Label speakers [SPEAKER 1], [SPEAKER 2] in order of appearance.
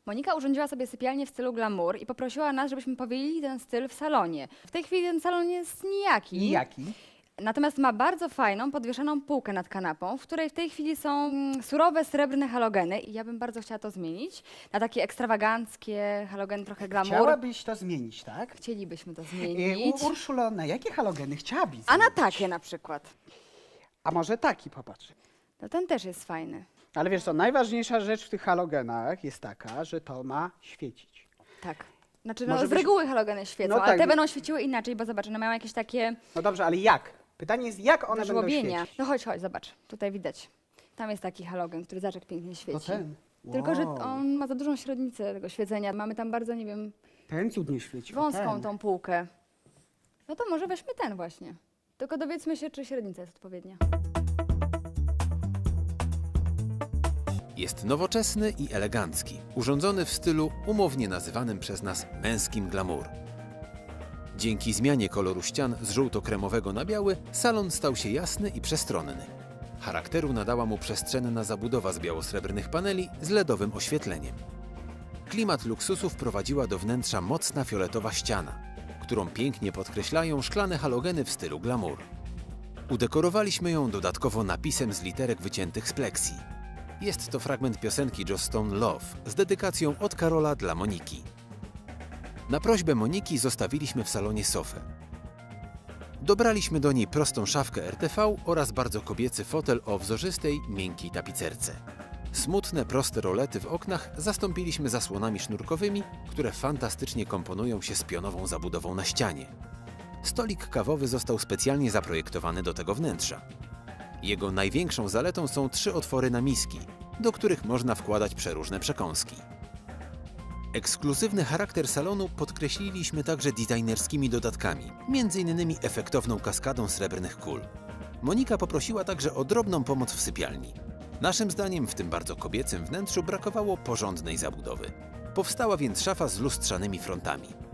[SPEAKER 1] Monika urządziła sobie sypialnię w stylu glamour i poprosiła nas, żebyśmy powielili ten styl w salonie. W tej chwili ten salon jest nijaki.
[SPEAKER 2] Nijaki.
[SPEAKER 1] Natomiast ma bardzo fajną, podwieszoną półkę nad kanapą, w której w tej chwili są surowe, srebrne halogeny i ja bym bardzo chciała to zmienić na takie ekstrawaganckie halogeny, trochę glamour.
[SPEAKER 2] Chciałabyś to zmienić, tak?
[SPEAKER 1] Chcielibyśmy to zmienić.
[SPEAKER 2] Urszulo, na jakie halogeny chciałabyś
[SPEAKER 1] A na
[SPEAKER 2] zmienić?
[SPEAKER 1] takie na przykład.
[SPEAKER 2] A może taki, popatrz.
[SPEAKER 1] No ten też jest fajny.
[SPEAKER 2] Ale wiesz co, najważniejsza rzecz w tych halogenach jest taka, że to ma świecić.
[SPEAKER 1] Tak. Znaczy,
[SPEAKER 2] Może
[SPEAKER 1] z
[SPEAKER 2] byś-
[SPEAKER 1] reguły halogeny świecą,
[SPEAKER 2] No
[SPEAKER 1] ale
[SPEAKER 2] tak.
[SPEAKER 1] te będą świeciły inaczej, bo zobacz, one mają jakieś takie
[SPEAKER 2] No dobrze, ale jak? Pytanie jest, jak one będą
[SPEAKER 1] żłobienia.
[SPEAKER 2] świecić?
[SPEAKER 1] No chodź, zobacz, tutaj widać. Tam jest taki halogen, który zaczek pięknie świeci.
[SPEAKER 2] To ten.
[SPEAKER 1] Tylko, że
[SPEAKER 2] Wow.
[SPEAKER 1] on ma za dużą średnicę tego świecenia. Mamy tam bardzo, nie wiem,
[SPEAKER 2] Ten cudnie świeci. o
[SPEAKER 1] wąską
[SPEAKER 2] ten.
[SPEAKER 1] tą półkę. No to może weźmy ten właśnie. Tylko dowiedzmy się, czy średnica jest odpowiednia.
[SPEAKER 3] Jest nowoczesny i elegancki, urządzony w stylu umownie nazywanym przez nas męskim glamour. Dzięki zmianie koloru ścian z żółto-kremowego na biały, salon stał się jasny i przestronny. Charakteru nadała mu przestrzenna zabudowa z biało-srebrnych paneli z LEDowym oświetleniem. Klimat luksusu wprowadziła do wnętrza mocna fioletowa ściana, którą pięknie podkreślają szklane halogeny w stylu glamour. Udekorowaliśmy ją dodatkowo napisem z literek wyciętych z pleksji. Jest to fragment piosenki Joss Stone Love z dedykacją od Karola dla Moniki. Na prośbę Moniki zostawiliśmy w salonie sofę. Dobraliśmy do niej prostą szafkę RTV oraz bardzo kobiecy fotel o wzorzystej, miękkiej tapicerce. Smutne, proste rolety w oknach zastąpiliśmy zasłonami sznurkowymi, które fantastycznie komponują się z pionową zabudową na ścianie. Stolik kawowy został specjalnie zaprojektowany do tego wnętrza. Jego największą zaletą są 3 otwory na miski, do których można wkładać przeróżne przekąski. Ekskluzywny charakter salonu podkreśliliśmy także designerskimi dodatkami, m.in. efektowną kaskadą srebrnych kul. Monika poprosiła także o drobną pomoc w sypialni. Naszym zdaniem w tym bardzo kobiecym wnętrzu brakowało porządnej zabudowy. Powstała więc szafa z lustrzanymi frontami.